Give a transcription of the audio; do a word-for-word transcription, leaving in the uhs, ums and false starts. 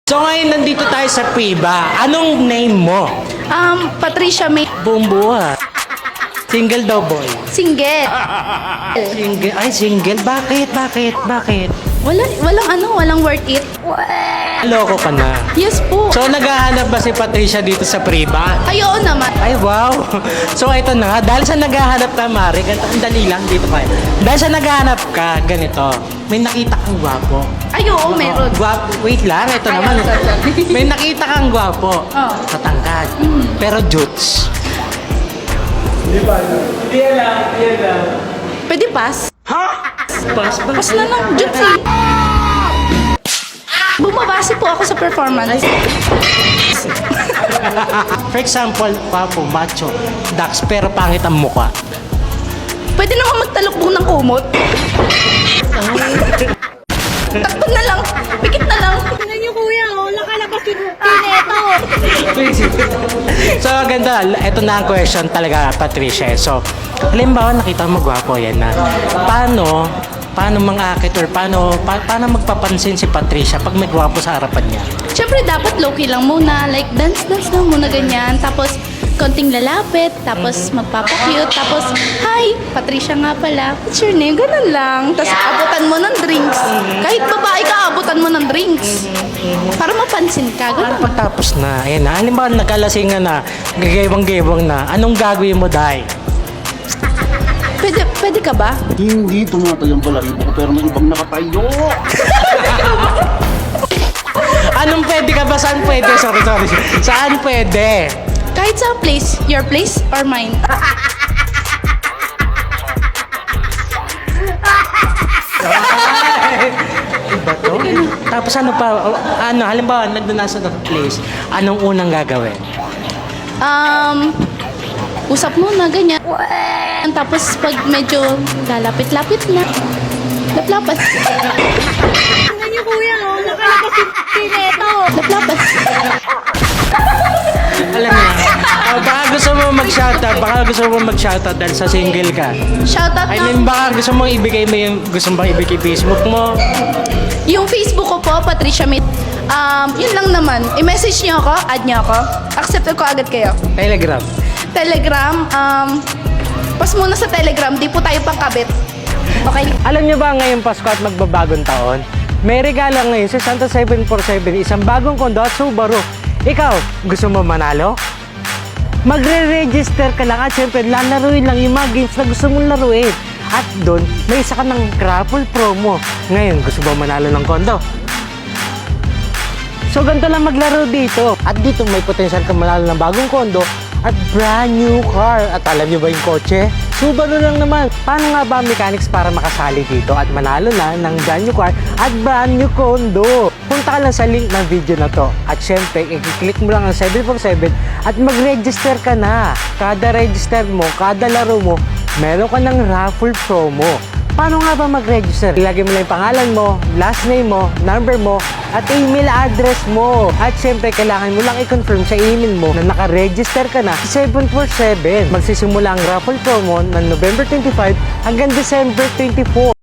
So ngayon nandito tayo sa Priba. Anong name mo? Um, Patricia May. Buong buhay. Single daw boy. Single. Single? Ay, single? Bakit? Bakit? Bakit? Wala, walang ano, walang worth it. Loko ka na. Yes po. So naghahanap ba si Patricia dito sa Priba? Ay, oo naman. Ay, wow. So ito na nga. Dahil sa naghahanap ka, Mari, ganito, ang dali lang dito kayo. Dahil sa naghahanap ka, ganito, may nakita kang gwapo. Ay, oo, meron. Gwapo. Wait lang, ito Ay, naman. I'm sorry. May nakita kang gwapo. Oo. Katangkad. Pero jutes. Di ba? Hindi lang, hindi lang. Pwede pass? Pas ba? Pass na lang. Jutsi. Bumabase po ako sa performance. For example, gwapo, macho, dax, pero pangit ang mukha. Pwede naman magtalukbong ng kumot. Takpan na lang. Pikit na lang. Tingnan niyo kuya, oh. Nakalabas yung kineto. So, ganda. Ito na ang question talaga, Patricia. So, halimbawa, nakita mo gwapo yan na. Paano, paano mang-akit or paano, pa, paano magpapansin si Patricia pag may gwapo sa harapan niya? Siyempre, dapat low-key lang muna. Like, dance-dance lang muna ganyan. Tapos, konting lalapit. Tapos, magpapakute. Tapos, hi, Patricia nga pala. What's your name? Ganun lang. Tapos, abutan mo ng drinks. Kahit babae ka, abutan mo ng drinks. Para mapansin ka. Paano Ganun. pagtapos na? Ayan na. Halimbawa, nagkalasingan na, gagawang-gawang na. Anong gagawin mo, Day? Pwede, pwede ka ba? Hindi tumatayang balahibo ko pero may ibang nakatayo. Anong pwede ka ba? Saan pwede? Sorry, sorry. Saan pwede? Kahit sa place. Your place or mine? Iba to? Tapos ano pa? Ano, halimbawa, nandun na sa place, anong unang gagawin? Um, usap muna, ganyan. Tapos, pag medyo lalapit-lapit na, laplapan. Tingnan niyo kuya, oh. Nakalabas yung kineto. Laplapan. Alam mo, uh, baka gusto mo mag-shoutout, baka gusto mo mag-shoutout dahil sa single ka. Shoutout I na. mean, baka gusto mo ibigay mo yung, gusto mo bang ibigay Facebook mo? Yung Facebook ko po, Patricia Mit. Um, yun lang naman. I-message niyo ako, add niyo ako. Accept ko agad kayo. Telegram. Telegram, um, pas muna sa Telegram, di po tayo pangkabit. Okay? Alam niyo ba ngayong Pasko at magbabagong taon? May regalo ngayon sa Santa seven forty-seven, isang bagong kondo at Subaru. Ikaw, gusto mo manalo? Magre-register ka lang at syempre lalaruin lang yung mga games na gusto mong laruin. At doon, may isa ka ng raffle promo. Ngayon, gusto mo manalo ng kondo? So, ganito lang maglaro dito. At dito may potential ka manalo ng bagong kondo at brand new car. At alam niyo ba yung kotse? Subaru lang naman. Paano nga ba ang mechanics para makasali dito at manalo na ng brand new car at brand new kondo? Punta ka lang sa link ng video na to. At syempre, i-click mo lang ang seven four seven at mag-register ka na. Kada register mo, kada laro mo, meron ka ng raffle promo. Paano nga ba mag-register? Ilagay mo lang yung pangalan mo, last name mo, number mo, at email address mo. At syempre, kailangan mo lang i-confirm sa email mo na naka-register ka na sa seven four seven. Magsisimula ang raffle promo ng November twenty-five hanggang December twenty-four.